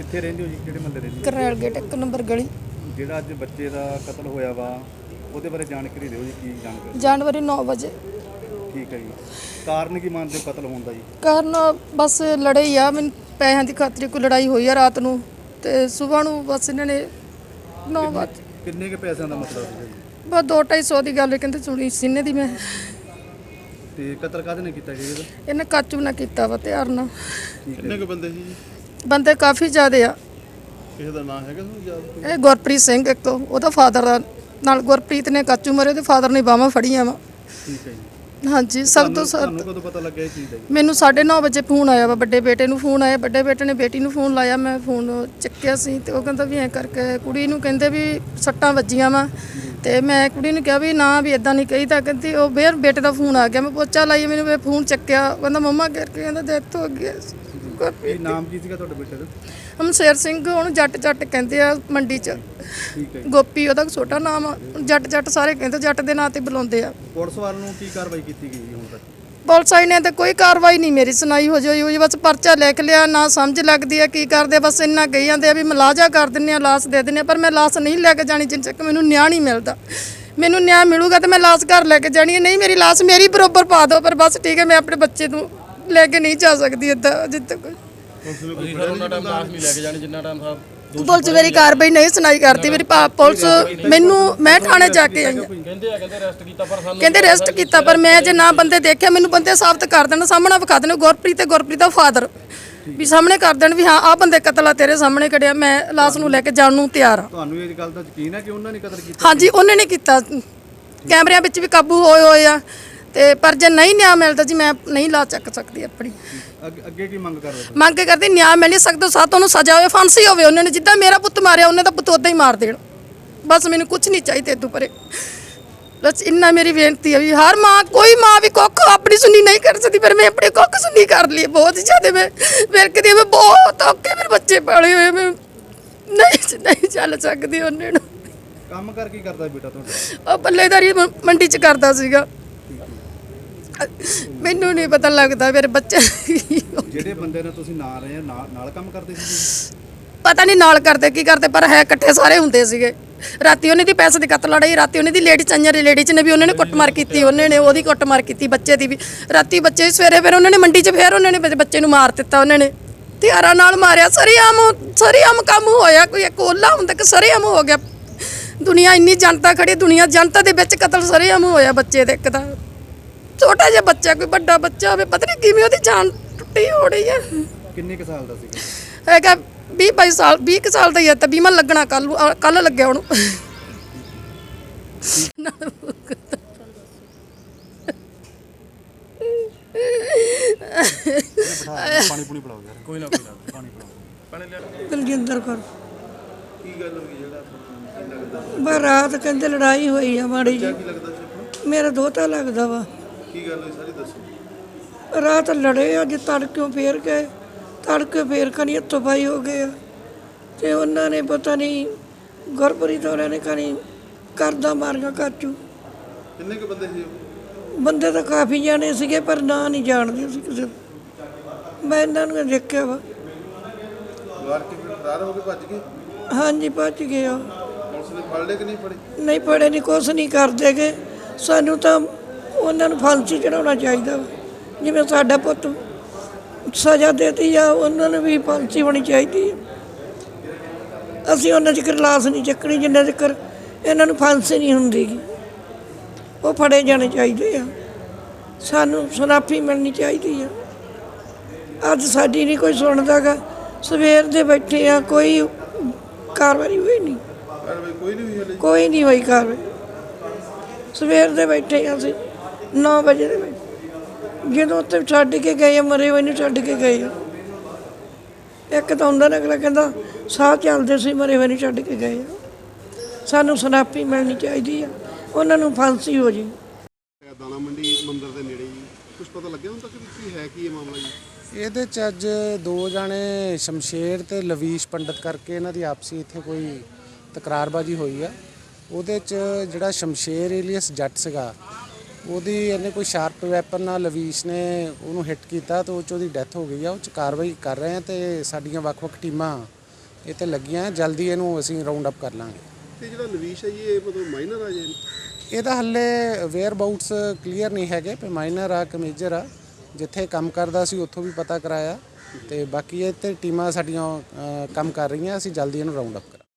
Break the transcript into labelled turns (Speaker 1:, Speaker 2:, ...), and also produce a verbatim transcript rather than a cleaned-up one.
Speaker 1: ਕਿੱਥੇ ਰਹਿੰਦੇ ਹੋ ਜੀ, ਕਿਹੜੇ ਮਹੱਲੇ ਰਹਿੰਦੇ ਹੋ?
Speaker 2: ਕਰਨੈਲ ਗੇਟ ਇੱਕ ਨੰਬਰ ਗਲੀ।
Speaker 1: ਜਿਹੜਾ ਅੱਜ ਬੱਚੇ ਦਾ ਕਤਲ ਹੋਇਆ ਵਾ ਉਹਦੇ ਬਾਰੇ ਜਾਣਕਾਰੀ ਦਿਓ ਜੀ, ਕੀ ਜਾਣਕਾਰੀ?
Speaker 2: ਜਨਵਰੀ ਨੌ ਵਜੇ।
Speaker 1: ਠੀਕ ਹੈ ਜੀ। ਕਾਰਨ ਕੀ ਮੰਨਦੇ ਹੋ ਕਤਲ ਹੋਣ ਦਾ ਜੀ?
Speaker 2: ਕਾਰਨ ਬਸ ਲੜੇ ਹੀ ਆ, ਮੈਨੂੰ ਪੈਸਿਆਂ ਦੀ ਖਾਤਰ ਕੋਈ ਲੜਾਈ ਹੋਈ ਆ ਰਾਤ ਨੂੰ, ਤੇ ਸਵੇਰ ਨੂੰ ਬਸ ਇਹਨਾਂ ਨੇ ਨੌ ਵਜੇ।
Speaker 1: ਕਿੰਨੇ ਕੇ ਪੈਸਿਆਂ ਦਾ ਮਤਲਬ ਹੈ ਜੀ?
Speaker 2: ਬਸ ਦੋ ਢਾਈ ਸੌ ਦੀ ਗੱਲ ਕਹਿੰਦੇ ਸੁਣੀ ਸੀਨੇ ਦੀ ਮੈਂ।
Speaker 1: ਤੇ ਕਤਲ ਕਾਹਦੇ ਨੇ ਕੀਤਾ ਜੀ ਇਹਦਾ?
Speaker 2: ਇਹਨੇ ਕਾਚੂ ਨਾ ਕੀਤਾ ਵਾ ਤਿਆਰ ਨਾਲ।
Speaker 1: ਕਿੰਨੇ ਕੁ ਬੰਦੇ ਸੀ ਜੀ?
Speaker 2: ਬੰਦੇ ਕਾਫੀ ਜ਼ਿਆਦੇ ਆ।
Speaker 1: ਕਿਸੇ ਦਾ ਨਾਮ ਹੈਗਾ ਤੁਹਾਨੂੰ ਯਾਦ?
Speaker 2: ਇਹ ਗੁਰਪ੍ਰੀਤ ਸਿੰਘ ਇੱਕ ਉਹਦਾ ਫਾਦਰ ਦਾ, ਨਾਲ ਗੁਰਪ੍ਰੀਤ ਨੇ ਕਾਚੂ ਮਾਰੇ, ਉਹਦੇ ਫਾਦਰ ਨੇ ਬਾਹਾਂ ਫੜੀਆਂ ਵਾ।
Speaker 1: ਠੀਕ ਹੈ ਜੀ।
Speaker 2: ਹਾਂਜੀ, ਸਭ ਤੋਂ
Speaker 1: ਤੁਹਾਨੂੰ ਕਦੋਂ ਪਤਾ ਲੱਗਿਆ ਇਹ ਚੀਜ਼ ਦਾ ਜੀ?
Speaker 2: ਮੈਨੂੰ ਸਾਢੇ ਨੌ ਵਜੇ ਫੋਨ ਆਇਆ ਵਾ, ਵੱਡੇ ਬੇਟੇ ਨੂੰ ਫੋਨ ਆਇਆ, ਵੱਡੇ ਬੇਟੇ ਨੇ ਬੇਟੀ ਨੂੰ ਫੋਨ ਲਾਇਆ, ਮੈਂ ਫੋਨ ਚੱਕਿਆ ਸੀ ਤੇ ਉਹ ਕਹਿੰਦਾ ਵੀ ਐਂ ਕਰਕੇ ਕੁੜੀ ਨੂੰ ਕਹਿੰਦੇ ਵੀ ਸੱਟਾਂ ਵੱਜੀਆਂ ਵਾ, ਤੇ ਮੈਂ ਕੁੜੀ ਨੂੰ ਕਿਹਾ ਵੀ ਨਾ ਵੀ ਇਦਾਂ ਨਹੀਂ ਕਹੀਦਾ। ਕਹਿੰਦੀ ਉਹ ਫੇਰ ਬੇਟੇ ਦਾ ਫੋਨ ਆ ਗਿਆ, ਮੈਂ ਪੋਚਾ ਲਾਈ, ਮੈਨੂੰ ਫੋਨ ਚੱਕਿਆ, ਕਹਿੰਦਾ ਮੰਮਾ ਕਰਕੇ ਕਹਿੰਦਾ ਡੈਥ ਹੋ ਗਈ।
Speaker 1: ਕੀ ਨਾਮ ਕੀ ਸੀਗਾ ਤੁਹਾਡੇ ਬੇਟੇ ਦਾ?
Speaker 2: ਹਮਸ਼ੇਰ ਸਿੰਘ, ਉਹਨੂੰ ਜੱਟ ਜੱਟ ਕਹਿੰਦੇ ਆ ਮੰਡੀ 'ਚ।
Speaker 1: ਠੀਕ ਹੈ।
Speaker 2: ਗੋਪੀ ਉਹਦਾ ਛੋਟਾ ਨਾਮ ਆ, ਜੱਟ ਜੱਟ ਸਾਰੇ ਕਹਿੰਦੇ, ਜੱਟ ਦੇ ਨਾਂ ਤੇ ਬੁਲਾਉਂਦੇ ਆ।
Speaker 1: ਪੁਲਿਸ ਵੱਲੋਂ ਕੀ ਕਾਰਵਾਈ ਕੀਤੀ ਗਈ ਹੁਣ ਤੱਕ?
Speaker 2: ਪੁਲਿਸ ਵਾਲੀ ਨੇ ਤਾਂ ਕੋਈ ਕਾਰਵਾਈ ਨਹੀਂ ਮੇਰੀ ਸੁਣਾਈ ਹੋ ਜਾਈ ਹੋਈ, ਬਸ ਪਰਚਾ ਲਿਖ ਲਿਆ, ਨਾ ਸਮਝ ਲੱਗਦੀ ਆ ਕੀ ਕਰਦੇ, ਬਸ ਇੰਨਾ ਕਹੀ ਜਾਂਦੇ ਆ ਵੀ ਮਲਾਜਾ ਕਰ ਦਿੰਦੇ ਆ, ਲਾਸ਼ ਦੇ ਦਿੰਦੇ ਆ, ਪਰ ਮੈਂ ਲਾਸ਼ ਨਹੀਂ ਲੈ ਕੇ ਜਾਣੀ ਜਿੰਨ ਤੱਕ ਮੈਨੂੰ ਨਿਆਂ ਨਹੀਂ ਮਿਲਦਾ। ਮੈਨੂੰ ਨਿਆਂ ਮਿਲੂਗਾ ਤਾਂ ਮੈਂ ਲਾਸ਼ ਘਰ ਲੈ ਕੇ ਜਾਣੀ ਹੈ, ਨਹੀਂ ਮੇਰੀ ਲਾਸ਼ ਮੇਰੀ ਬਰੋਬਰ ਪਾ ਦਿਓ, ਪਰ ਬਸ ਠੀਕ ਹੈ, ਮੈਂ ਆਪਣੇ ਬੱਚੇ ਨੂੰ ਲੈ ਕੇ ਨਹੀਂ ਜਾ ਸਕਦੀ ਇੱਦਾਂ ਜਿੱਦ ਤੱਕ। ਪੁਲਿਸ ਮੇਰੀ ਕਾਰਵਾਈ ਨਹੀਂ ਸੁਣਾਈ ਕਰਦੀ, ਮੇਰੀ ਪੁਲਿਸ ਮੈਨੂੰ, ਮੈਂ ਥਾਣੇ ਜਾ ਕੇ ਆਈ ਹਾਂ, ਕਹਿੰਦੇ ਅਰੈਸਟ ਕੀਤਾ, ਪਰ ਮੈਂ ਜੇ ਨਾ ਬੰਦੇ ਦੇਖਿਆ, ਮੈਨੂੰ ਬੰਦੇ ਸਾਬਤ ਕਰ ਦੇਣ, ਸਾਹਮਣੇ ਵਿਖਾ ਦੇਣ, ਗੁਰਪ੍ਰੀਤ ਤੇ ਗੁਰਪ੍ਰੀਤ ਦਾ ਫਾਦਰ ਵੀ ਸਾਹਮਣੇ ਕਰ ਦੇਣ ਵੀ ਹਾਂ ਆਹ ਬੰਦੇ ਕਤਲ ਆ ਤੇਰੇ ਸਾਹਮਣੇ ਕੜਿਆ, ਮੈਂ ਲਾਸ਼ ਨੂੰ ਲੈ ਕੇ ਜਾਣ ਨੂੰ ਤਿਆਰ ਹਾਂ।
Speaker 1: ਤੁਹਾਨੂੰ ਇਹ ਗੱਲ ਦਾ ਯਕੀਨ ਹੈ ਕਿ ਉਹਨਾਂ ਨੇ ਕਤਲ ਕੀਤਾ?
Speaker 2: ਹਾਂਜੀ, ਉਹਨੇ ਨਹੀਂ ਕੀਤਾ, ਕੈਮਰਿਆਂ ਵਿੱਚ ਵੀ ਕਾਬੂ ਹੋਏ ਹੋਏ ਆ, ਤੇ ਪਰ ਜੇ ਨਹੀਂ ਨਿਆਂ ਮਿਲਦਾ ਜੀ ਮੈਂ ਨਹੀਂ ਲਾ ਚੱਕ ਸਕਦੀ ਆਪਣੀ।
Speaker 1: ਅੱਗੇ ਕੀ ਮੰਗ ਕਰ ਰਹੇ ਹੋ?
Speaker 2: ਮੰਗ ਕਰਦੇ ਨਿਆਂ ਮਿਲ ਨਹੀਂ ਸਕਦਾ, ਸਾਥ ਉਹਨੂੰ ਸਜ਼ਾ ਹੋਵੇ, ਫਾਂਸੀ ਹੋਵੇ, ਉਹਨਾਂ ਨੇ ਜਿੱਦਾਂ ਮੇਰਾ ਪੁੱਤ ਮਾਰਿਆ ਉਹਨੇ ਤਾਂ ਪੁੱਤ ਉਦਾਂ ਹੀ ਮਾਰ ਦੇਣ, ਬਸ ਮੈਨੂੰ ਕੁਝ ਨਹੀਂ ਚਾਹੀਦਾ ਇਦੋਂ ਪਰੇ। ਬਸ ਇੰਨਾ ਮੇਰੀ ਬੇਨਤੀ ਹੈ ਵੀ ਹਰ ਮਾਂ, ਕੋਈ ਮਾਂ ਵੀ ਕੁੱਖ ਆਪਣੀ ਸੁਣੀ ਨਹੀਂ ਕਰ ਸਕਦੀ, ਪਰ ਮੈਂ ਆਪਣੇ ਕੁੱਖ ਸੁਣੀ ਕਰ ਲਈ ਬਹੁਤ ਜ਼ਿਆਦਾ। ਮੈਂ ਵੇਖਦੀ ਮੈਂ ਬਹੁਤ ਔਖੇ ਮੇਰੇ ਬੱਚੇ ਪਾਲੇ ਹੋਏ, ਮੈਂ ਨਹੀਂ ਨਹੀਂ ਚੱਲ ਸਕਦੀ ਉਹਨੇ ਨੂੰ।
Speaker 1: ਕੰਮ ਕਰ ਕੀ ਕਰਦਾ ਬੇਟਾ ਤੁਹਾਡਾ?
Speaker 2: ਉਹ ਪੱਲੇਦਾਰੀ ਮੰਡੀ 'ਚ ਕਰਦਾ ਸੀਗਾ, ਮੈਨੂੰ ਨਹੀਂ ਪਤਾ ਲੱਗਦਾ ਮੇਰੇ ਬੱਚੇ।
Speaker 1: ਜਿਹੜੇ ਬੰਦੇ ਨਾਲ ਤੁਸੀਂ ਨਾਲ ਰਹੇ ਨਾਲ ਕੰਮ ਕਰਦੇ ਸੀ?
Speaker 2: ਪਤਾ ਨਹੀਂ ਨਾਲ ਕਰਦੇ ਕੀ ਕਰਦੇ, ਪਰ ਹੈ ਇਕੱਠੇ ਸਾਰੇ ਹੁੰਦੇ ਸੀਗੇ। ਰਾਤੀ ਉਹਨੇ ਦੀ ਪੈਸੇ ਦੀ ਕਤਲ ਲੜਾਈ, ਰਾਤੀ ਉਹਨੇ ਦੀ ਲੇਡੀ ਚੰਜਰ ਲੇਡੀ ਨੇ ਵੀ ਉਹਨੇ ਨੇ ਕੁੱਟਮਾਰ ਕੀਤੀ, ਉਹਨੇ ਨੇ ਉਹਦੀ ਕੁੱਟਮਾਰ ਕੀਤੀ, ਬੱਚੇ ਦੀ ਵੀ ਰਾਤੀ, ਬੱਚੇ ਸਵੇਰੇ ਫਿਰ ਉਹਨਾਂ ਨੇ ਮੰਡੀ 'ਚ ਫਿਰ ਉਹਨਾਂ ਨੇ ਬੱਚੇ ਨੂੰ ਮਾਰ ਦਿੱਤਾ, ਉਹਨਾਂ ਨੇ ਹਥਿਆਰਾਂ ਨਾਲ ਮਾਰਿਆ। ਸਰੇਆਮ ਸਰੇਆਮ ਕੰਮ ਹੋਇਆ, ਕੋਈ ਇੱਕ ਓਲਾ ਹੁੰਦਾ ਕਿ ਸਰੇਆਮ ਹੋ ਗਿਆ। ਦੁਨੀਆ ਇੰਨੀ ਜਨਤਾ ਖੜੀ, ਦੁਨੀਆ ਜਨਤਾ ਦੇ ਵਿੱਚ ਕਤਲ ਸਰੇਆਮ ਹੋਇਆ ਬੱਚੇ ਦੇ, ਇੱਕ ਤਾਂ ਛੋਟਾ ਜਿਹਾ ਬੱਚਾ, ਕੋਈ ਵੱਡਾ ਬੱਚਾ ਹੋਵੇ, ਪਤਾ ਨਹੀਂ ਕਿਵੇਂ ਉਹਦੀ ਜਾਨ ਟੁੱਟੀ ਹੋ ਰਹੀ ਹੈ।
Speaker 1: ਕਿੰਨੇ ਕੁ ਸਾਲ ਦਾ ਸੀਗਾ?
Speaker 2: ਹੈਗਾ ਵੀਹ ਬਾਈ ਸਾਲ, ਵੀਹ ਕੁ ਸਾਲ ਦਾ ਹੀ ਹੈ, ਤਾਂ ਬੀਮਾ ਲੱਗਣਾ ਕੱਲ ਕੱਲ ਲੱਗਿਆ ਉਹਨੂੰ।
Speaker 1: ਪਾਣੀ ਪੂਣੀ ਪਿਲਾਓ ਯਾਰ। ਕੋਈ ਨਾ ਕੋਈ ਨਾ, ਪਾਣੀ ਪਿਲਾਓ। ਪਾਣੀ ਲਿਆ।
Speaker 3: ਦਲਜਿੰਦਰ ਕੌਰ।
Speaker 1: ਕੀ ਗੱਲ ਹੋਈ ਜਿਹੜਾ ਕੀ ਲੱਗਦਾ?
Speaker 3: ਬਸ ਰਾਤ ਕਹਿੰਦੇ ਲੜਾਈ ਹੋਈ ਆ ਮਾੜੀ ਜੀ।
Speaker 1: ਕੀ ਲੱਗਦਾ ਸੀ?
Speaker 3: ਮੇਰਾ ਦੋਤਾ ਲੱਗਦਾ ਵਾ।
Speaker 1: ਕੀ ਗੱਲ ਹੋਈ ਸਾਰੀ ਦੱਸੋ।
Speaker 3: ਰਾਤ ਲੜੇ, ਅੱਜ ਤੜਕਿਓਂ ਫੇਰ ਗਏ, ਤੜਕੇ ਫੇਰ ਕਨੀ ਹੱਥੋਂ ਪਾਈ ਹੋ ਗਏ ਆ, ਤੇ ਉਹਨਾਂ ਨੇ ਪਤਾ ਨਹੀਂ ਗੁਰਪ੍ਰੀਤ ਹੋਰਾਂ ਨੇ ਕਨੀ ਕਰਦਾ ਮਾਰੀਆਂ ਕਾਚੂ।
Speaker 1: ਕਿੰਨੇ ਕੁ ਬੰਦੇ ਸੀ?
Speaker 3: ਬੰਦੇ ਤਾਂ ਕਾਫੀ ਜਾਣੇ ਸੀਗੇ, ਪਰ ਨਾਂ ਨਹੀਂ ਜਾਣਦੇ ਸੀ ਕਿਸੇ ਨੂੰ। ਮੈਂ ਇਹਨਾਂ ਨੂੰ ਦੇਖਿਆ ਵਾ।
Speaker 1: ਮਾਰ ਕੇ ਫਿਰ ਫਰਾਰ ਹੋ ਕੇ ਭੱਜ ਗਏ?
Speaker 3: ਹਾਂਜੀ ਭੱਜ ਗਏ ਆ।
Speaker 1: ਪੁਲਿਸ ਨੇ ਫੜ ਲਏ ਕਿ ਨਹੀਂ ਫੜੇ?
Speaker 3: ਨਹੀਂ ਫੜੇ, ਨਹੀਂ ਕੁਛ ਨਹੀਂ ਕਰਦੇਗੇ। ਸਾਨੂੰ ਤਾਂ ਉਹਨਾਂ ਨੂੰ ਫਾਂਸੀ ਚੜਾਉਣਾ ਚਾਹੀਦਾ ਵਾ, ਜਿਵੇਂ ਸਾਡਾ ਪੁੱਤ ਸਜ਼ਾ ਦੇਤੀ ਆ, ਉਹਨਾਂ ਨੂੰ ਵੀ ਫਾਂਸੀ ਹੋਣੀ ਚਾਹੀਦੀ ਹੈ। ਅਸੀਂ ਉਹਨਾਂ ਚਿਰ ਲਾਸ਼ ਨਹੀਂ ਚੱਕਣੀ ਜਿੰਨਾ ਚਿਰ ਇਹਨਾਂ ਨੂੰ ਫਾਂਸੀ ਨਹੀਂ ਹੁੰਦੀ ਗੀ। ਉਹ ਫੜੇ ਜਾਣੇ ਚਾਹੀਦੇ ਆ, ਸਾਨੂੰ ਸੁਨਾਫੀ ਮਿਲਣੀ ਚਾਹੀਦੀ ਆ। ਅੱਜ ਸਾਡੀ ਨਹੀਂ ਕੋਈ ਸੁਣਦਾ ਗਾ, ਸਵੇਰ ਦੇ ਬੈਠੇ ਆ, ਕੋਈ ਕਾਰਵਾਈ ਹੋਈ ਨਹੀਂ,
Speaker 1: ਕੋਈ ਨਹੀਂ ਹੋਈ?
Speaker 3: ਕੋਈ ਨਹੀਂ ਹੋਈ ਕਾਰਵਾਈ। ਸਵੇਰ ਦੇ ਬੈਠੇ ਆ ਅਸੀਂ ਨੌ ਵਜੇ ਦੇ ਵਿੱਚ, ਜਦੋਂ ਉੱਥੇ ਛੱਡ ਕੇ ਗਏ ਆ, ਮਰੇ ਹੋਏ ਨੂੰ ਛੱਡ ਕੇ ਗਏ ਆ। ਇੱਕ ਤਾਂ ਹੁੰਦਾ ਨਾ, ਅਗਲਾ ਕਹਿੰਦਾ ਸਾਹ ਚੱਲਦੇ ਸੀ, ਮਰੇ ਹੋਏ ਨੂੰ ਛੱਡ ਕੇ ਗਏ ਆ। ਸਾਨੂੰ ਸੁਨਾਫੀ ਮਿਲਣੀ ਚਾਹੀਦੀ ਆ, ਉਹਨਾਂ ਨੂੰ ਫਾਂਸੀ ਹੋ ਜੇ।
Speaker 1: ਦਾਣਾ ਮੰਡੀ ਮੰਦਰ ਦੇ ਨੇੜੇ ਜੀ ਕੁਝ ਪਤਾ ਲੱਗਿਆ ਹੁਣ ਤੱਕ ਕੀ ਹੈ, ਕੀ ਇਹ ਮਾਮਲਾ ਜੀ?
Speaker 4: ਇਹਦੇ 'ਚ ਅੱਜ ਦੋ ਜਾਣੇ ਸ਼ਮਸ਼ੇਰ ਤੇ ਲਵੀਸ਼ ਪੰਡਤ ਕਰਕੇ ਇਹਨਾਂ ਦੀ ਆਪਸੀ ਇੱਥੇ ਕੋਈ ਤਕਰਾਰਬਾਜੀ ਹੋਈ ਆ। ਉਹਦੇ 'ਚ ਜਿਹੜਾ ਸ਼ਮਸ਼ੇਰ ਏਲੀਅਸ ਜੱਟ ਸੀਗਾ, ਉਹਦੀ ਇਹਨੇ ਕੋਈ ਸ਼ਾਰਪ ਵੈਪਨ ਨਾਲ ਲਵੀਸ਼ ਨੇ ਉਹਨੂੰ ਹਿੱਟ ਕੀਤਾ, ਤਾਂ ਉਹ 'ਚ ਉਹਦੀ ਡੈਥ ਹੋ ਗਈ ਆ। ਉਹ 'ਚ ਕਾਰਵਾਈ ਕਰ ਰਹੇ ਆ, ਤੇ ਸਾਡੀਆਂ ਵੱਖ-ਵੱਖ ਟੀਮਾਂ ਇਹ ਤੇ ਲੱਗੀਆਂ, ਜਲਦੀ ਇਹਨੂੰ ਅਸੀਂ ਰਾਉਂਡ ਅਪ ਕਰ ਲਾਂਗੇ।
Speaker 1: ਤੇ ਜਿਹੜਾ ਲਵੀਸ਼ ਹੈ ਜੀ ਇਹ ਮਤਲਬ ਮਾਈਨਰ ਆ ਜੀ?
Speaker 4: ਇਹਦਾ ਹੱਲੇ ਵੇਅਰ ਬਾਊਟਸ ਕਲੀਅਰ ਨਹੀਂ ਹੈਗੇ ਕਿ ਮਾਈਨਰ ਆ ਕਿ ਮੇਜਰ ਆ। ਜਿੱਥੇ ਕੰਮ ਕਰਦਾ ਸੀ ਉੱਥੋਂ ਵੀ ਪਤਾ ਕਰਾਇਆ, ਤੇ ਬਾਕੀ ਇਹ ਤੇ ਟੀਮਾਂ ਸਾਡੀਆਂ ਅ, ਕੰਮ ਕਰ ਰਹੀਆਂ, ਅਸੀਂ ਜਲਦੀ ਇਹਨੂੰ ਰਾਉਂਡ ਅਪ ਕਰਾਂਗੇ।